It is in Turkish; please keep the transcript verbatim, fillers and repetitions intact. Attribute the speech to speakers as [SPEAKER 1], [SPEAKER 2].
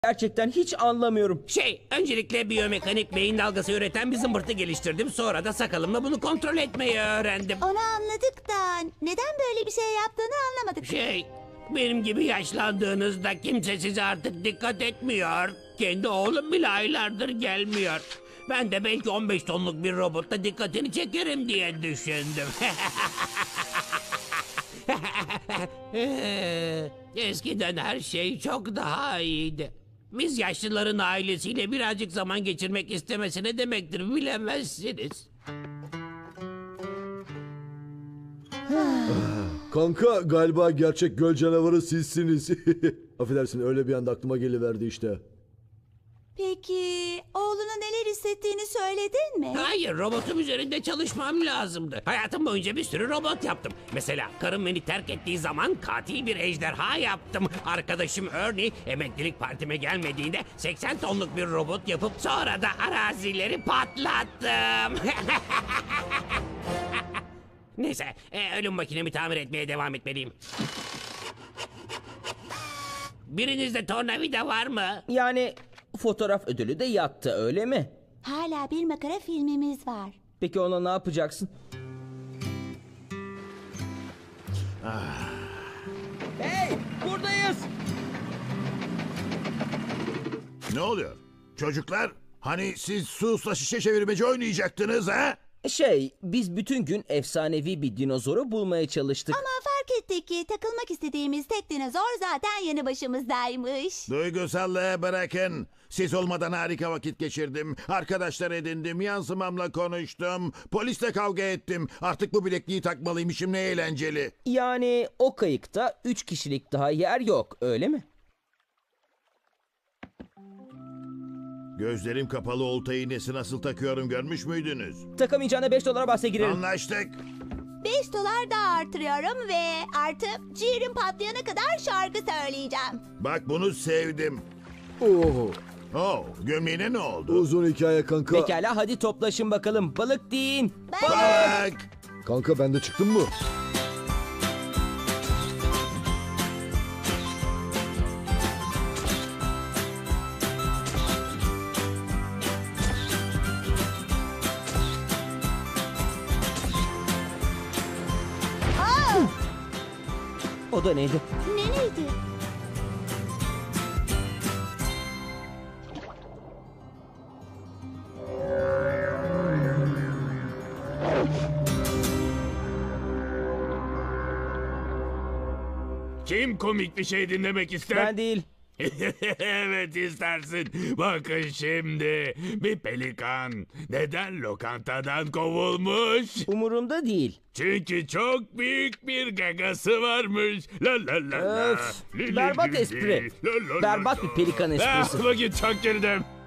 [SPEAKER 1] Gerçekten hiç anlamıyorum.
[SPEAKER 2] Şey, öncelikle biyomekanik beyin dalgası üreten bir zımbırtı geliştirdim. Sonra da sakalımla bunu kontrol etmeyi öğrendim.
[SPEAKER 3] Onu anladık da neden böyle bir şey yaptığını anlamadık.
[SPEAKER 2] Şey, benim gibi yaşlandığınızda kimse size artık dikkat etmiyor. Kendi oğlum bile aylardır gelmiyor. Ben de belki on beş tonluk bir robotla dikkatini çekerim diye düşündüm. Eskiden her şey çok daha iyiydi. Biz yaşlıların ailesiyle birazcık zaman geçirmek istemesi ne demektir bilemezsiniz.
[SPEAKER 4] Kanka galiba gerçek göl canavarı sizsiniz. Affedersin, öyle bir anda aklıma geliverdi işte.
[SPEAKER 3] Peki oğluna neler hissettiğini söyledin mi?
[SPEAKER 2] Hayır, robotum üzerinde çalışmam lazımdı. Hayatım boyunca bir sürü robot yaptım. Mesela karım beni terk ettiği zaman katil bir ejderha yaptım. Arkadaşım Ernie emeklilik partime gelmediğinde seksen tonluk bir robot yapıp sonra da arazileri patlattım. Neyse, e, ölüm makinemi tamir etmeye devam etmeliyim. Birinizde tornavida var mı?
[SPEAKER 1] Yani fotoğraf ödülü de yattı, öyle mi?
[SPEAKER 3] Hala bir makara filmimiz var.
[SPEAKER 1] Peki ona ne yapacaksın? Hey, buradayız.
[SPEAKER 5] Ne oluyor? Çocuklar, hani siz susla şişe çevirmeci oynayacaktınız ha?
[SPEAKER 1] Şey, biz bütün gün efsanevi bir dinozoru bulmaya çalıştık.
[SPEAKER 3] Ama fark ettik ki takılmak istediğimiz tek dinozor zaten yanı başımızdaymış.
[SPEAKER 5] Duygusallığı bırakın. Siz olmadan harika vakit geçirdim. Arkadaşlar edindim, yansımamla konuştum. Polisle kavga ettim. Artık bu bilekliği takmalıymışım, ne eğlenceli.
[SPEAKER 1] Yani o kayıkta üç kişilik daha yer yok, öyle mi?
[SPEAKER 5] Gözlerim kapalı olta iğnesi nasıl takıyorum görmüş müydünüz?
[SPEAKER 1] Takamayacağına beş dolara bahse girelim.
[SPEAKER 5] Anlaştık.
[SPEAKER 3] Beş dolar daha artırıyorum ve artı ciğerim patlayana kadar şarkı söyleyeceğim.
[SPEAKER 5] Bak bunu sevdim.
[SPEAKER 4] Oo,
[SPEAKER 5] Oh, gömleğine ne oldu?
[SPEAKER 4] uzun hikaye kanka.
[SPEAKER 1] Pekala, hadi toplaşın bakalım. Balık deyin.
[SPEAKER 5] Bak!
[SPEAKER 4] Kanka ben de çıktım mı?
[SPEAKER 1] O da neydi?
[SPEAKER 3] Ne neydi?
[SPEAKER 6] Kim komik bir şey dinlemek ister?
[SPEAKER 1] Ben değil.
[SPEAKER 6] Evet istersin. Bakın şimdi. Bir pelikan neden lokantadan kovulmuş?
[SPEAKER 1] Umurumda değil.
[SPEAKER 6] Çünkü çok büyük bir gagası varmış. La la la la.
[SPEAKER 1] Öf,
[SPEAKER 6] Li li
[SPEAKER 1] berbat
[SPEAKER 6] li li.
[SPEAKER 1] espri.
[SPEAKER 6] La la la
[SPEAKER 1] Berbat
[SPEAKER 6] la.
[SPEAKER 1] bir pelikan esprisi.
[SPEAKER 6] Ah, vakit çok girdim.